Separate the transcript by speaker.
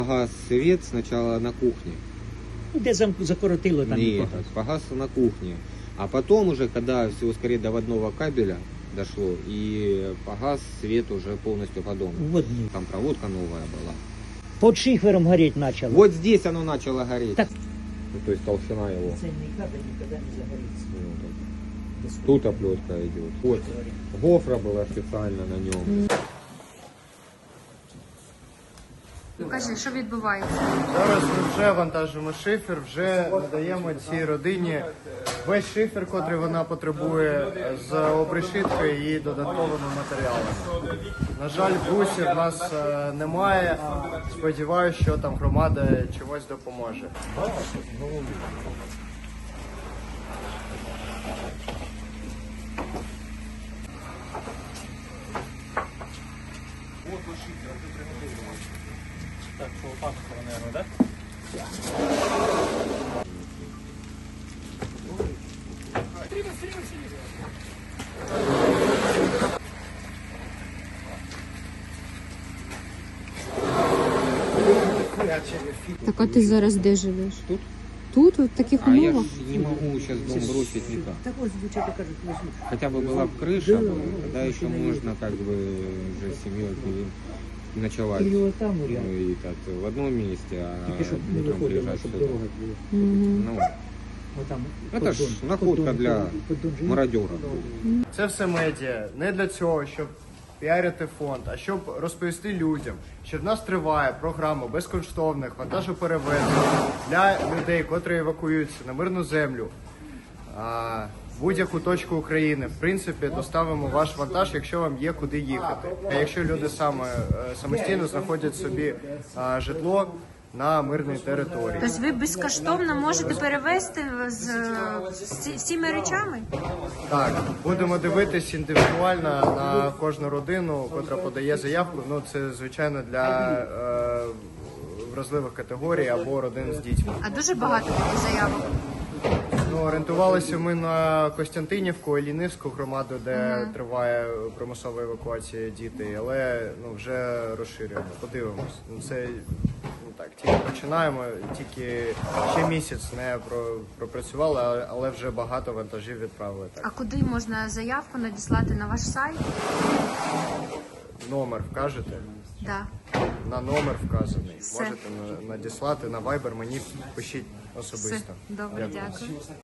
Speaker 1: Погас свет сначала на кухне.
Speaker 2: Де закоротило там і
Speaker 1: Нет,
Speaker 2: погас.
Speaker 1: погас на кухне. А потом уже, когда все скорее до водного кабеля дошло, и погас свет уже полностью по дому.
Speaker 2: В одній.
Speaker 1: Там проводка новая была.
Speaker 2: Под шифером гореть почало.
Speaker 1: Вот здесь оно начало гореть.
Speaker 2: Так.
Speaker 1: Ну, то есть толщина его.
Speaker 2: Цельний кабель ніколи не загориться.
Speaker 1: Тут оплетка идет. Вот. Гофра была специально на нем.
Speaker 3: Покажи, що відбувається.
Speaker 4: Зараз ми вже вантажимо шифер, вже надаємо цій родині весь шифер, котрий вона потребує, з обрешіткою і додатковими матеріалами. На жаль, брусів в нас немає. Сподіваюся, що там громада чимось допоможе.
Speaker 3: Так а ти зараз де живеш?
Speaker 1: Тут.
Speaker 3: Тут, в таких
Speaker 1: А я
Speaker 3: умовах?
Speaker 1: ж не могу сейчас дом бросить никак.
Speaker 2: Так ось дівчата кажуть, возьмуть.
Speaker 1: Хотя бы была бы крыша, тогда еще можно как бы уже семьей ночевать.
Speaker 2: Или вот там,
Speaker 1: Ну,
Speaker 2: рядом.
Speaker 1: и так в одном месте, а
Speaker 2: Тільки щоб не
Speaker 1: утром
Speaker 2: виходило,
Speaker 1: приезжать
Speaker 2: щоб
Speaker 1: сюда.
Speaker 2: дорога була.
Speaker 1: Ну,
Speaker 2: Отам,
Speaker 1: Это ж
Speaker 2: поддон,
Speaker 1: находка
Speaker 2: поддон,
Speaker 1: для
Speaker 2: поддон же є.
Speaker 1: мародера.
Speaker 4: Це все медіа не для цього, щоб піарити фонд, а щоб розповісти людям, що в нас триває програма безкоштовних вантажоперевезень для людей, котрі евакуюються на мирну землю. В будь-яку точку України, в принципі, доставимо ваш вантаж, якщо вам є куди їхати. А якщо люди самостійно знаходять собі житло на мирній території.
Speaker 3: Тобто ви безкоштовно можете перевезти з цими речами?
Speaker 4: Так, будемо дивитись індивідуально на кожну родину, котра подає заявку. Ну, це, звичайно, для вразливих категорій або родин з дітьми.
Speaker 3: А дуже багато таких заявок.
Speaker 4: Ну, орієнтувалися ми на Костянтинівку, Іллінівську громаду, де триває примусова евакуація дітей, але ну, вже розширюємо. Подивимось. Ну, це так, тільки починаємо, тільки ще місяць не пропрацювали, але вже багато вантажів відправили.
Speaker 3: А
Speaker 4: Так.
Speaker 3: куди можна заявку надіслати на ваш сайт?
Speaker 4: Номер вкажете?
Speaker 3: Да.
Speaker 4: На номер вказаний.
Speaker 3: Все.
Speaker 4: Можете надіслати на Viber, мені пишіть
Speaker 3: Все.
Speaker 4: особисто.
Speaker 3: Добре, дякую.